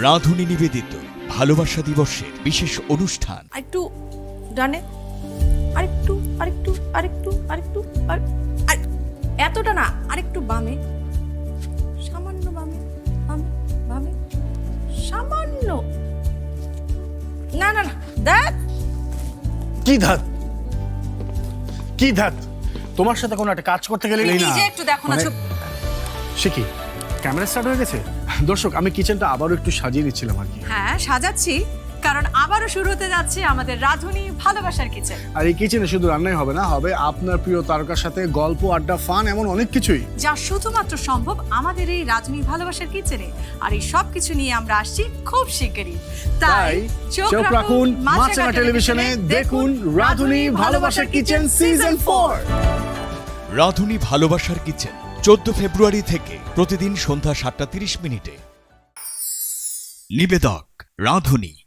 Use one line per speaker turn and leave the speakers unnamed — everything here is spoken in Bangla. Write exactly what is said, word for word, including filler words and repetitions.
রাঁধুনি নিবেদিত ভালোবাসা দিবসের বিশেষ অনুষ্ঠান।
একটু ডানে, আরেকটু আরেকটু আরেকটু আরেকটু আর আর- এতটা না, আরেকটু বামে, সামান্য বামে, বামে বামে, সামান্য। না না না, দেখ
কি ধাত কি ধাত তোমার সাথে কোনো একটা কাজ করতে গেলে
তুমি
না
নিজে একটু দেখো না,
মানে-
চুপ।
সে কি ক্যামেরা স্টার্ট হয়ে গেছে? দর্শক, আমি কিচেনটা আবারও একটু সাজিয়ে নিচ্ছিলাম আর কি।
হ্যাঁ, সাজাচ্ছি, কারণ আবারও শুরু হতে যাচ্ছে আমাদের রাঁধুনি ভালোবাসার কিচেন।
আর এই কিচেনে শুধু রান্নাই হবে না, হবে আপনার প্রিয় তারকার সাথে গল্প, আড্ডা, ফান, এমন অনেক কিছুই।
যা শুধুমাত্র সম্ভব আমাদের এই রাঁধুনি ভালোবাসার কিচেনে। আর এই সব কিছু নিয়ে আমরা আসছি খুব শিগগিরই।
তাই চোখ রাখুন মাছরাঙা টেলিভিশনে, দেখুন রাঁধুনি ভালোবাসার কিচেন সিজন ফোর।
রাঁধুনি ভালোবাসার কিচেন চোদ্দ ফেব্রুয়ারি থেকে প্রতিদিন সন্ধ্যা সাতটা তিরিশ মিনিটে। নিবেদক রাঁধুনি।